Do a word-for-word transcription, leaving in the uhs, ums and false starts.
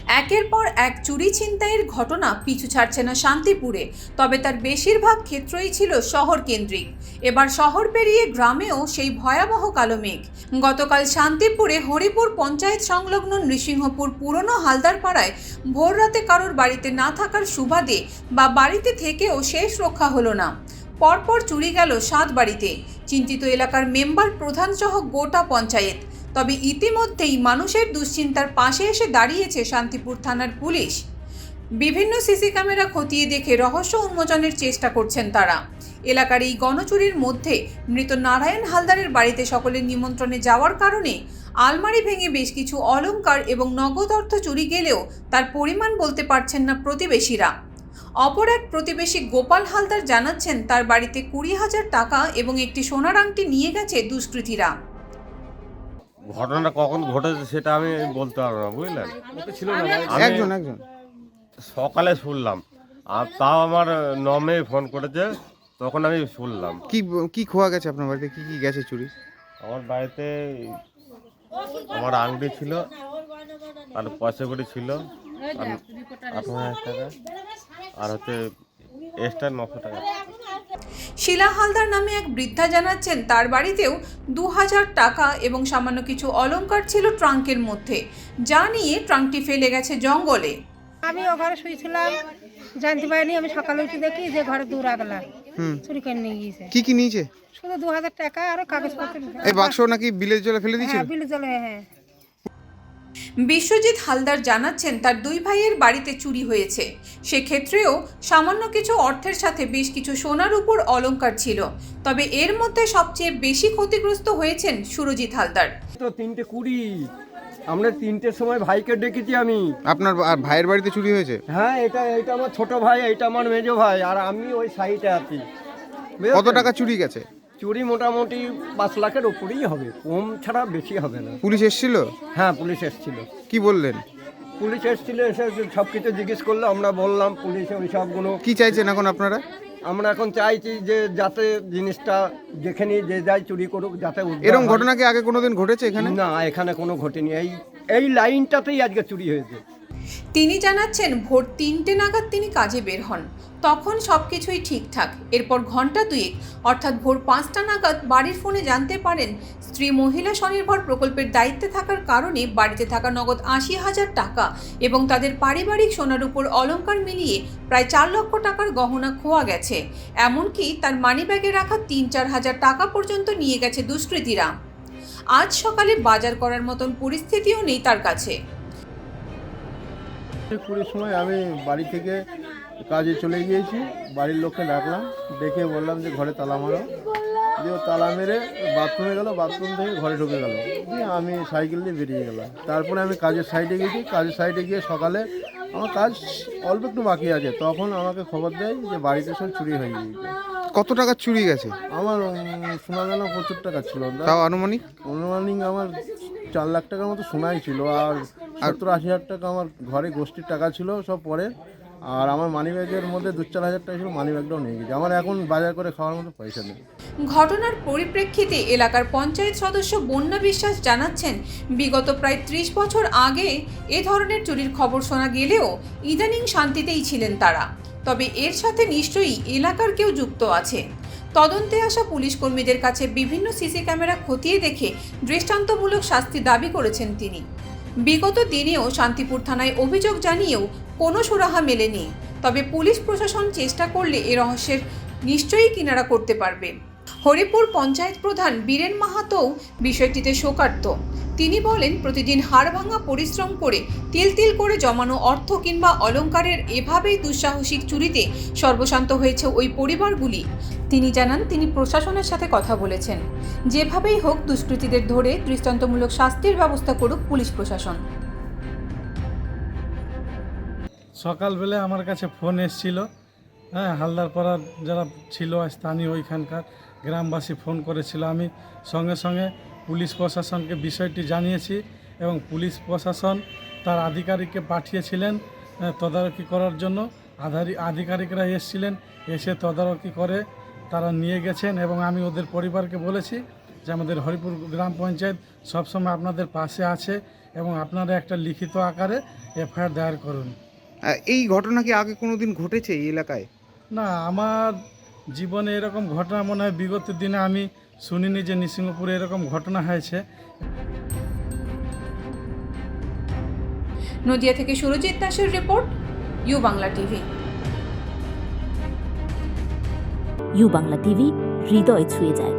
একের পর এক চুরি ছিনতাইয়ের ঘটনা পিছু ছাড়ছে না শান্তিপুরে, তবে তার বেশিরভাগ ক্ষেত্রই ছিল শহর কেন্দ্রিক। এবার শহর পেরিয়ে গ্রামেও সেই ভয়াবহ কালো মেঘ। গতকাল শান্তিপুরে হরিপুর পঞ্চায়েত সংলগ্ন নৃসিংহপুর পুরনো হালদারপাড়ায় ভোর রাতে কারোর বাড়িতে না থাকার সুবাদে বা বাড়িতে থেকেও শেষ রক্ষা হলো না। পরপর চুরি গেল সাত বাড়িতে। চিন্তিত এলাকার মেম্বার প্রধান সহ গোটা পঞ্চায়েত। তবে ইতিমধ্যেই মানুষের দুশ্চিন্তার পাশে এসে দাঁড়িয়েছে শান্তিপুর থানার পুলিশ। বিভিন্ন সিসি ক্যামেরা খতিয়ে দেখে রহস্য উন্মোচনের চেষ্টা করছেন তারা। এলাকার এই গণচুরির মধ্যে মৃত নারায়ণ হালদারের বাড়িতে সকলের নিমন্ত্রণে যাওয়ার কারণে আলমারি ভেঙে বেশ কিছু অলংকার এবং নগদ অর্থ চুরি গেলেও তার পরিমাণ বলতে পারছেন না প্রতিবেশীরা। অপর এক প্রতিবেশী গোপাল হালদার জানাচ্ছেন তার বাড়িতে কুড়ি হাজার টাকা এবং একটি সোনার আংটি নিয়ে গেছে দুষ্কৃতীরা। ঘটনাটা কখন ঘটেছে সেটা আমি বলতে পারবো না, বুঝলেন। আমি একজন একজন সকালে শুনলাম, আর তাও আমার নমে ফোন করেছে, তখন আমি শুনলাম। কি কি খোয়া গেছে আপনার বাড়িতে, কি কি গেছে চুরি? আমার বাড়িতে আমার আংটি ছিল, আর পয়সা কড়ি ছিল আঠারো হাজার টাকা, আর হচ্ছে এক্সট্রা নশো টাকা। শিলা হালদার নামে এক বৃদ্ধা জানাচ্ছেন তার বাড়িতেও দু হাজার টাকা এবং সামান্য কিছু অলংকার ছিল ট্রাঙ্কের মধ্যে, যা নিয়ে ট্রাঙ্কটি ফেলে গেছে জঙ্গলে। আমি ও ঘরে শুয়েছিলাম, জানতে পারিনি। আমি সকালে উঠে দেখি যে ঘরে দূর আগলা চুরি করে নিয়ে গিয়েছে। কি কি নিয়েছে? শুধু দু হাজার টাকা আর কাগজপত্র। এই বাক্স নাকি বিলের জলে ফেলে দিয়েছিল? হ্যাঁ, বিলে জলে। হ্যাঁ। বিশ্বজিৎ হালদার জানাচ্ছেন তার দুই ভাইয়ের বাড়িতে চুরি হয়েছে। সেক্ষেত্রেও সামান্য কিছু অর্থের সাথে বেশ কিছু সোনার উপর অলংকার ছিল। তবে এর মধ্যে সবচেয়ে বেশি ক্ষতিগ্রস্ত হয়েছেন সুরজিৎ হালদার। তো তিনটে কুড়ি, আমরা তিনটের সময় ভাইকে ডেকেছি আমি। আপনার বা- ভাইয়ের বাড়িতে চুরি হয়েছে? হ্যাঁ, এটা এটা আমার ছোট ভাই, এটা আমার মেজো ভাই, আর আমি ওই সাইডে আছি। কত টাকা চুরি গেছে? চুরি মোটামুটি পাঁচ লাখের উপরেই হবে, কম ছাড়া বেশি হবে না। পুলিশ এসেছিল? হ্যাঁ, পুলিশ এসেছিল। কি বললেন? পুলিশ এসেছিল, এসে সব কিছু জিজ্ঞেস করলো, আমরা বললাম পুলিশে ওই সবগুলো। কি চাইছেন এখন আপনারা? আমরা এখন চাইছি যে যাতে জিনিসটা যেখানে যে যাই চুরি করুক যাতে উদ্ধার এরকম হয়। ঘটনা কি আগে কোনোদিন ঘটেছে এখানে? না, এখানে কোনো ঘটেনি। এই এই লাইনটাতেই আজকে চুরি হয়েছে। তিনি জানাচ্ছেন ভোর তিনটে নাগাদ তিনি কাজে বের হন, তখন সব কিছুই ঠিকঠাক। এরপর ঘন্টা দুয়েক অর্থাৎ ভোর পাঁচটা নাগাদ বাড়ির ফোনে জানতে পারেন স্ত্রী মহিলা স্বনির্ভর প্রকল্পের দায়িত্বে থাকার কারণে বাড়িতে থাকা নগদ আশি হাজার টাকা এবং তাদের পারিবারিক সোনার উপর অলংকার মিলিয়ে প্রায় চার লক্ষ টাকার গহনা খোয়া গেছে। এমনকি তার মানিব্যাগে রাখা তিন চার হাজার টাকা পর্যন্ত নিয়ে গেছে দুষ্কৃতীরা। আজ সকালে বাজার করার মতন পরিস্থিতিও নেই তার কাছে। কুড়ির সময় আমি বাড়ি থেকে কাজে চলে গিয়েছি, বাড়ির লোককে ডাকলাম, ডেকে বললাম যে ঘরে তালা মারো। দিয়ে ও তালা মেরে বাথরুমে গেল, বাথরুম থেকে ঘরে ঢুকে গেল। দিয়ে আমি সাইকেল দিয়ে বেরিয়ে গেলাম। তারপরে আমি কাজের সাইডে গেছি, কাজের সাইডে গিয়ে সকালে আমার কাজ অল্প একটু বাকি আছে, তখন আমাকে খবর দেয় যে বাড়িতে সব চুরি হয়ে গিয়েছে। কত টাকা চুরি গেছে? আমার উম, শোনা গেল প্রচুর টাকা ছিল, তাও আনুমানিক? অনুমানিক আমার চার লাখ টাকার মতো সোনাই ছিল, আর সত্তর আশি হাজার টাকা আমার ঘরে গোষ্ঠীর টাকা ছিল সব পরে। আর আমার মানি ব্যাগের মধ্যে দু চার হাজার টাকা ছিল, মানি ব্যাগটাও নিয়ে গেছে। আমার এখন বাজার করে খাওয়ার মতো পয়সা নেই। ঘটনার পরিপ্রেক্ষিতে এলাকার পঞ্চায়েত সদস্য বন্যা বিশ্বাস জানাচ্ছেন বিগত প্রায় ত্রিশ বছর আগে এ ধরনের চুরির খবর শোনা গেলেও ইদানিং শান্তিতেই ছিলেন তারা। তবে এর সাথে নিশ্চয়ই এলাকার কেউ যুক্ত আছে। তদন্তে আসা পুলিশ কর্মীদের কাছে বিভিন্ন সিসি ক্যামেরা খতিয়ে দেখে দৃষ্টান্তমূলক শাস্তি দাবি করেছেন তিনি। বিগত দিনেও শান্তিপুর থানায় অভিযোগ জানিয়েও কোনো সুরাহা মেলেনি। তবে পুলিশ প্রশাসন চেষ্টা করলে এ রহস্যের নিশ্চয়ই কিনারা করতে পারবে। হরিপুর পঞ্চায়েত প্রধান বীরেন মাহাতোও বিষয়টিতে শোকার্ত। তিনি বলেন, প্রতিদিন হাড়ভাঙা পরিশ্রম করে তিল তিল করে জমানো অর্থ কিংবা অলংকারের এভাবেই দুঃসাহসিক চুরিতে সর্বশান্ত হয়েছে ওই পরিবারগুলি। তিনি জানান তিনি প্রশাসনের সাথে কথা বলেছেন, যেভাবেই হোক দুষ্কৃতীদের ধরে দৃষ্টান্তমূলক শাস্তির ব্যবস্থা করুক পুলিশ প্রশাসন। সকালবেলা আমার কাছে ফোন এসেছিল, হ্যাঁ, হালদারপাড়ার যারা ছিল স্থানীয় ওইখানকার গ্রামবাসী ফোন করেছিল। আমি সঙ্গে সঙ্গে পুলিশ প্রশাসনকে বিষয়টি জানিয়েছি এবং পুলিশ প্রশাসন তার আধিকারিককে পাঠিয়েছিলেন তদারকি করার জন্য। আধারি আধিকারিকরা এসেছিলেন, এসে তদারকি করে তারা নিয়ে গেছেন এবং আমি ওদের পরিবারকে বলেছি যে আমাদের হরিপুর গ্রাম পঞ্চায়েত সবসময় আপনাদের পাশে আছে এবং আপনারা একটা লিখিত আকারে এফআইআর দায়ের করুন। আহ, এই ঘটনা কি আগে কোনোদিন ঘটেছে এই এলাকায়? না, আমার জীবনে এরকম ঘটনা মনে হয় বিগত দিনে আমি শুনিনি যে নৃসিংহপুরে এরকম ঘটনা হয়েছে। নদিয়া থেকে সুরজিৎ দাসের report, U Bangla TV. U Bangla TV হৃদয় ছুঁয়ে যায়।